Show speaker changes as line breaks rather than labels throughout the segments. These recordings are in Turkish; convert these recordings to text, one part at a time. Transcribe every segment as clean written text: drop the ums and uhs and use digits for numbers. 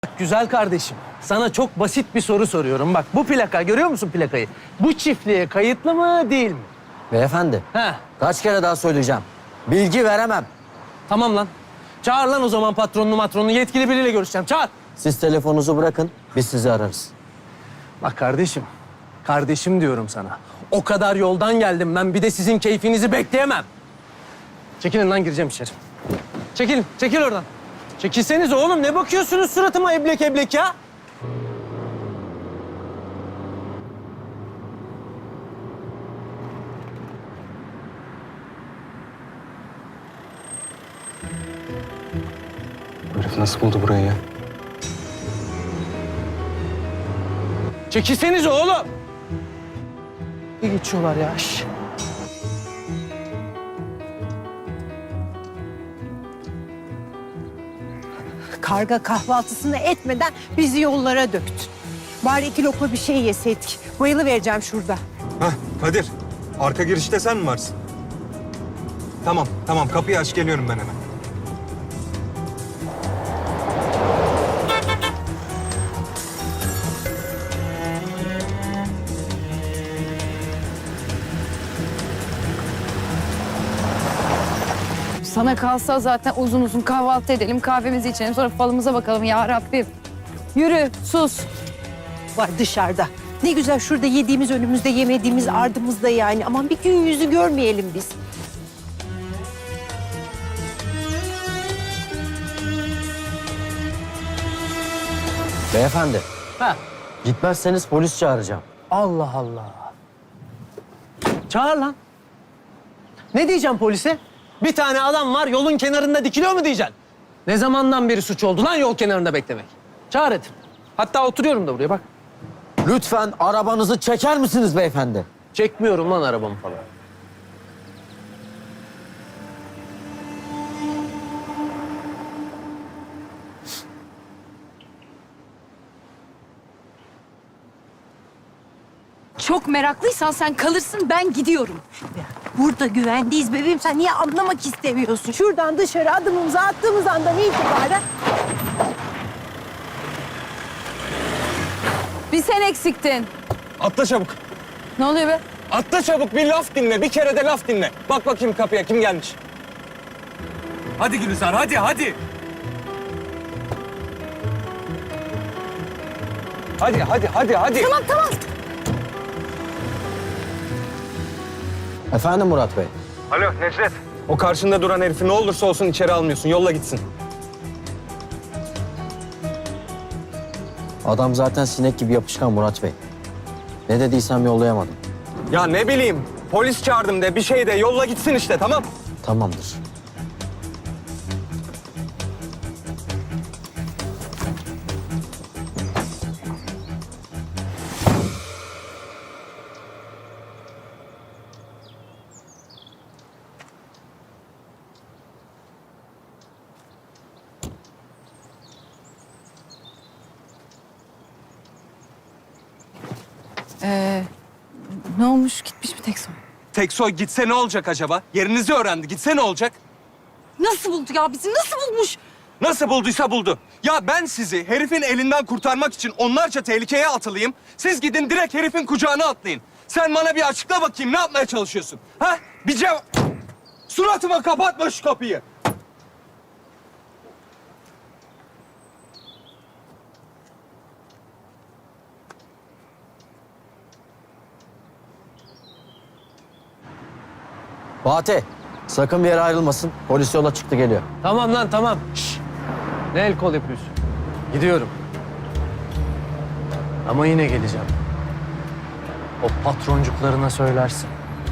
Güzel kardeşim, sana çok basit bir soru soruyorum. Bak bu plaka, görüyor musun plakayı? Bu çiftliğe kayıtlı mı, değil mi?
Beyefendi,
Ha,
kaç kere daha söyleyeceğim. Bilgi veremem.
tamam lan. Çağır lan o zaman patronunu, yetkili biriyle görüşeceğim. Çağır.
Siz telefonunuzu bırakın, biz sizi ararız.
Bak kardeşim diyorum sana. O kadar yoldan geldim ben, bir de sizin keyfinizi bekleyemem. Çekilin lan, gireceğim içeri. Çekil oradan. Çekilseniz oğlum, ne bakıyorsunuz suratıma eblek eblek ya?
Bu herif nasıl buldu burayı ya?
Çekilseniz oğlum. Bir geçiyorlar ya. Şş.
Karga kahvaltısını etmeden bizi yollara döktün. Bari 2 lokma bir şey yeseydik. Bayılıvereceğim şurada.
Hah Kadir, arka girişte sen mi varsın? Tamam kapıyı aç, geliyorum ben hemen.
Sana kalsa zaten uzun uzun kahvaltı edelim, kahvemizi içelim, sonra falımıza bakalım ya Rabbim. Yürü, sus.
Var dışarıda. Ne güzel şurada yediğimiz önümüzde, yemediğimiz ardımızda yani. Aman bir gün yüzü görmeyelim biz.
Beyefendi,
Ha.
gitmezseniz polis çağıracağım.
Allah Allah. Çağır lan. Ne diyeceğim polise? Bir tane adam var, yolun kenarında dikiliyor mu diyeceksin? Ne zamandan beri suç oldu lan yol kenarında beklemek? Çağır et. Hatta oturuyorum da buraya bak.
Lütfen arabanızı çeker misiniz beyefendi?
Çekmiyorum lan arabamı falan.
Çok meraklıysan sen kalırsın, ben gidiyorum.
Burada güvendeyiz bebeğim. Sen niye anlamak istemiyorsun? Şuradan dışarı adımımızı attığımız andan itibaren...
Bir sen eksiktin.
Atla çabuk.
Ne oluyor be?
Atla çabuk, bir laf dinle, bir kere de laf dinle. Bak bakayım kapıya, kim gelmiş? Hadi Gülizar, hadi. Hadi.
Tamam.
Efendim Murat Bey?
Alo Necdet. O karşında duran herifi ne olursa olsun içeri almıyorsun, yolla gitsin.
Adam zaten sinek gibi yapışkan Murat Bey. Ne dediysem yollayamadım.
Ya ne bileyim, polis çağırdım de, bir şey de, yolla gitsin işte, tamam?
Tamamdır.
Ne olmuş? Gitmiş mi Tekson?
Teksoy gitse ne olacak acaba? Yerinizi öğrendi, gitse ne olacak?
Nasıl buldu ya bizi? Nasıl bulmuş?
Nasıl bulduysa buldu. Ya ben sizi herifin elinden kurtarmak için onlarca tehlikeye atılayım. Siz gidin direkt herifin kucağına atlayın. Sen bana bir açıkla bakayım, ne yapmaya çalışıyorsun? Ha? Bir cevap... Suratıma kapatma şu kapıyı.
Fatih, sakın bir yere ayrılmasın. Polis yola çıktı geliyor.
Tamam lan tamam. Şş. Ne el kol yapıyorsun? Gidiyorum. Ama yine geleceğim. O patroncuklarına söylersin.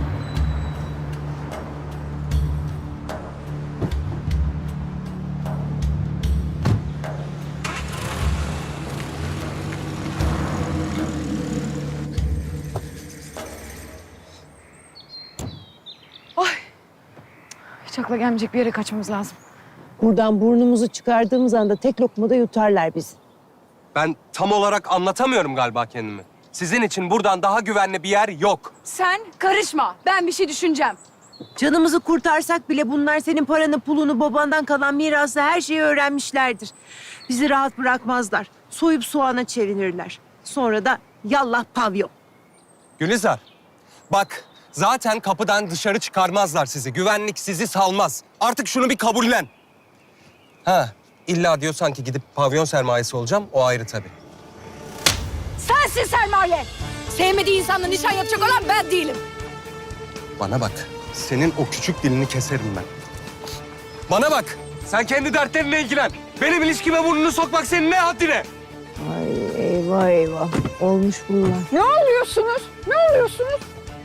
Hiç akla gelmeyecek bir yere kaçmamız lazım.
Buradan burnumuzu çıkardığımız anda tek lokmada yutarlar bizi.
Ben tam olarak anlatamıyorum galiba kendimi. Sizin için buradan daha güvenli bir yer yok.
Sen karışma. Ben bir şey düşüneceğim.
Canımızı kurtarsak bile bunlar senin paranı, pulunu, babandan kalan mirası, her şeyi öğrenmişlerdir. Bizi rahat bırakmazlar. Soyup soğana çevirirler. Sonra da yallah pavyon.
Gülizar, bak zaten kapıdan dışarı çıkarmazlar sizi. Güvenlik sizi salmaz. Artık şunu bir kabullen. Ha, illa diyorsan ki gidip pavyon sermayesi olacağım, o ayrı tabii.
Sensin sermaye. Sevmediği insanla nişan yapacak olan ben değilim.
Bana bak, senin o küçük dilini keserim ben. Bana bak, sen kendi dertlerinle ilgilen. Benim ilişkime burnunu sokmak senin ne haddine?
Ay eyvah eyvah. Olmuş bunlar.
Ne oluyorsunuz? Ne oluyorsunuz?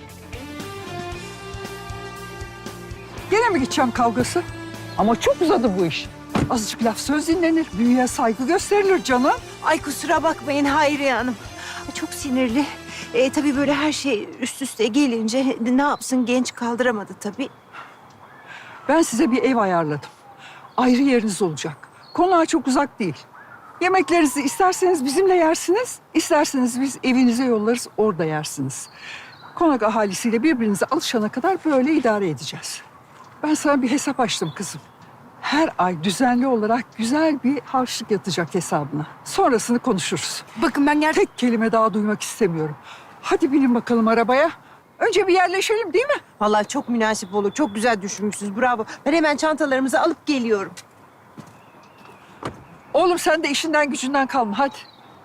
Gene mi gideceğim kavgası? Ama çok uzadı bu iş. Azıcık laf söz dinlenir, büyüye saygı gösterilir canım.
Ay kusura bakmayın Hayriye Hanım. Ay, çok sinirli. Tabii böyle her şey üst üste gelince ne yapsın genç kaldıramadı tabii.
Ben size bir ev ayarladım. Ayrı yeriniz olacak. Konağa çok uzak değil. Yemeklerinizi isterseniz bizimle yersiniz, isterseniz biz evinize yollarız, orada yersiniz. Konak ahalisiyle birbirinize alışana kadar böyle idare edeceğiz. Ben sana bir hesap açtım kızım. Her ay düzenli olarak güzel bir harçlık yatacak hesabına. Sonrasını konuşuruz.
Bakın ben gerçekten...
Tek kelime daha duymak istemiyorum. Hadi binin bakalım arabaya. Önce bir yerleşelim değil mi?
Vallahi çok münasip olur. Çok güzel düşünmüşsünüz. Bravo. Ben hemen çantalarımızı alıp geliyorum.
Oğlum sen de işinden gücünden kalma hadi.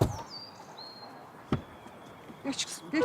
Geç kızım geç.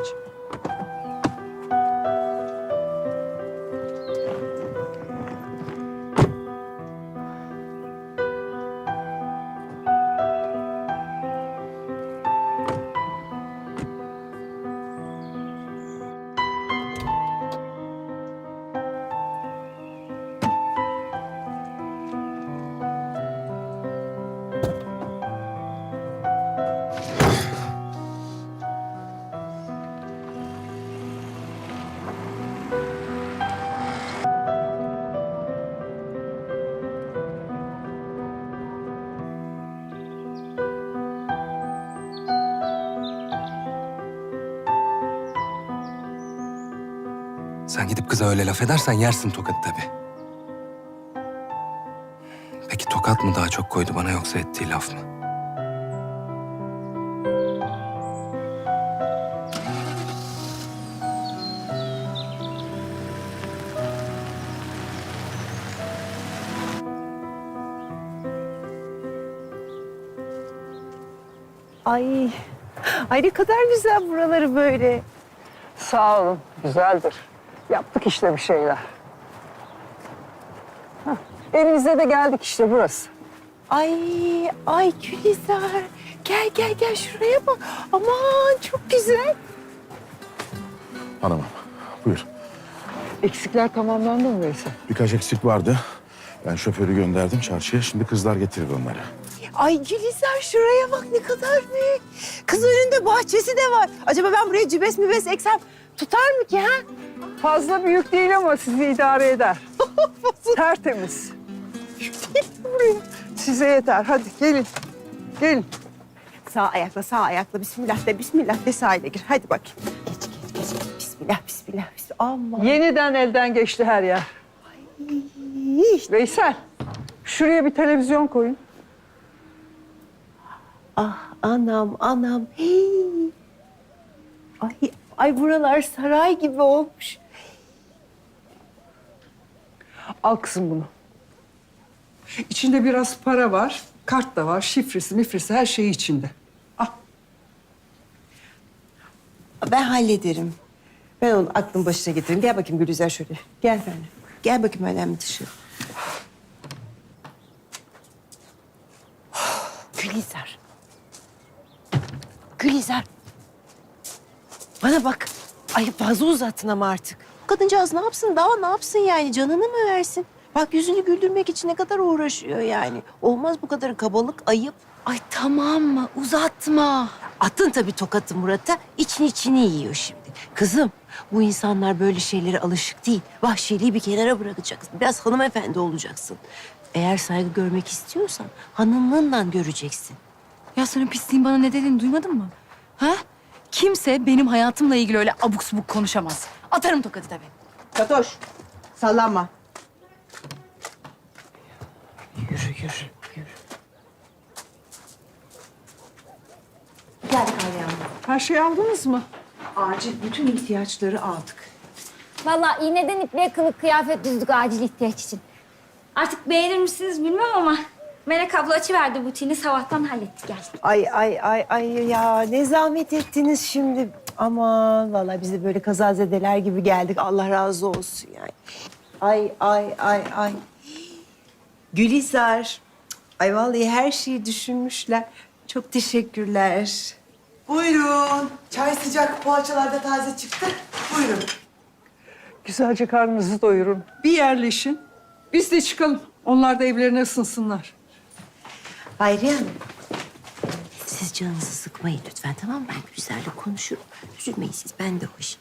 Sen gidip kıza öyle laf edersen yersin tokat tabii. Peki tokat mı daha çok koydu bana yoksa ettiği laf mı?
Ay. Ay ne kadar güzel buraları böyle.
Sağ olun güzeldir. Yaptık işte bir şeyler. Hah, evinize de geldik işte burası.
Ay Gülizar. Gel şuraya bak. Aman çok güzel.
Hanımım, buyur.
Eksikler tamamlandı mı Veysel?
Birkaç eksik vardı. Ben şoförü gönderdim çarşıya. Şimdi kızlar getirir onları.
Ay Gülizar şuraya bak ne kadar büyük. Kız önünde bahçesi de var. Acaba ben buraya cübes mübes eksem tutar mı ki ha?
Fazla büyük değil ama sizi idare eder. Tertemiz. Buraya. Size yeter. Hadi gelin. Gelin.
Sağ ayakla bismillah de sahile gir. Hadi bakayım. Geç. Bismillah. Aman.
Yeniden elden geçti her yer. Veysel, şuraya bir televizyon koyun.
Ah anam. Hey. Ay buralar saray gibi olmuş.
Al kızım bunu. İçinde biraz para var, kart da var, şifresi, mifresi her şeyi içinde. Al.
Ben hallederim. Ben onu aklın başına getiririm. Gel bakayım Gülizar şöyle. Gel benimle. Gel bakayım önemli dışı. Gülizar. Bana bak. Ay fazla uzattın ama artık. Kadıncağız ne yapsın daha ne yapsın yani canını mı versin? Bak yüzünü güldürmek için ne kadar uğraşıyor yani. Olmaz bu kadar kabalık ayıp.
Ay tamam mı? Uzatma.
Attın tabii tokatı Murat'a. İçini yiyor şimdi. Kızım bu insanlar böyle şeylere alışık değil. Vahşiliği bir kenara bırakacaksın. Biraz hanımefendi olacaksın. Eğer saygı görmek istiyorsan hanımlığından göreceksin.
Ya senin pisliğin bana ne dediğini duymadın mı? Ha? Kimse benim hayatımla ilgili öyle abuk subuk konuşamaz. Atarım tokadı tabii.
Fatoş sallanma. Yürü. geldik Hayriye Hanım.
Her şeyi aldınız mı?
Acil bütün ihtiyaçları aldık.
Vallahi iğneden ipliğe kılık kıyafet düzdük acil ihtiyaç için. Artık beğenir misiniz bilmem ama Melek abla açıverdi butiğini, sabahtan hallettik geldik.
Ay ya ne zahmet ettiniz şimdi. Aman vallahi biz de böyle kazazedeler gibi geldik. Allah razı olsun yani. Ay. Gülizar. Ay vallahi her şeyi düşünmüşler. Çok teşekkürler.
Buyurun. Çay sıcak, poğaçalar da taze çıktı. Buyurun.
Güzelce karnınızı doyurun. Bir yerleşin. Biz de çıkalım. Onlar da evlerine ısınsınlar.
Hayriye Hanım. Siz canınızı sıkmayın lütfen, tamam mı? Ben Gülizar'la konuşurum. Üzülmeyin siz, ben de hoş.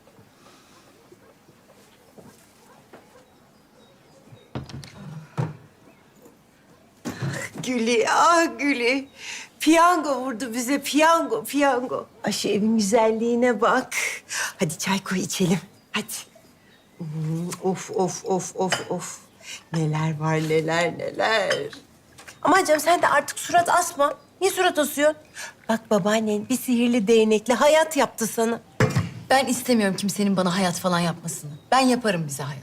Güli. Piyango vurdu bize, piyango. Ay şu evin güzelliğine bak. Hadi çay koy içelim, hadi. Of. Neler var, neler. Aman canım sen de artık surat asma. Niye surat asıyorsun? Bak babaannen bir sihirli değnekle hayat yaptı sana.
Ben istemiyorum kimsenin bana hayat falan yapmasını. Ben yaparım bize hayat.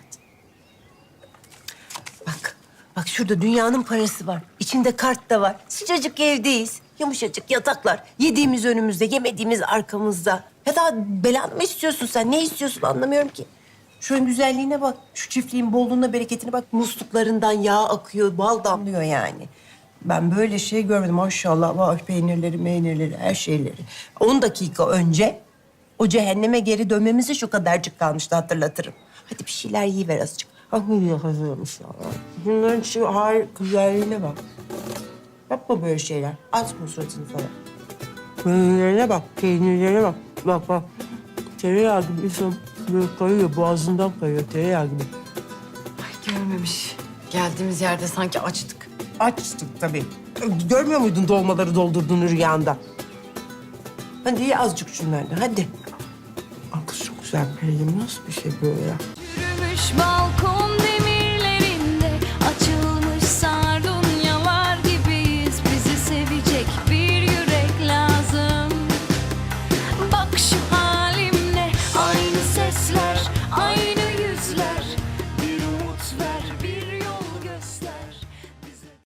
Bak şurada dünyanın parası var. İçinde kart da var. Sıcacık evdeyiz. Yumuşacık yataklar. Yediğimiz önümüzde, yemediğimiz arkamızda. Ya daha belanı mı istiyorsun sen? Ne istiyorsun anlamıyorum ki. Şunun güzelliğine bak. Şu çiftliğin bolluğuna, bereketine bak. Musluklarından yağ akıyor, bal damlıyor yani. Ben böyle şey görmedim maşallah. Var peynirleri, her şeyleri. 10 dakika önce o cehenneme geri dönmemize şu kadarcık kalmıştı, hatırlatırım. Hadi bir şeyler yiyiver azıcık. Hazırmış ya. Bunların şu güzelliğine bak. Yapma böyle şeyler. Açma suratını falan. Peynirlerine bak. Bak. Tereyağı gibi insan böyle kayıyor, boğazından kayıyor. Tereyağı gibi.
Görmemiş. Geldiğimiz yerde sanki açtık.
Açtık tabii. Görmüyor muydun dolmaları doldurduğunu rüyanda? Hadi ye azıcık şunlardan, hadi. Kız çok güzel bir nasıl bir şey böyle ya?
Yürümüş balkon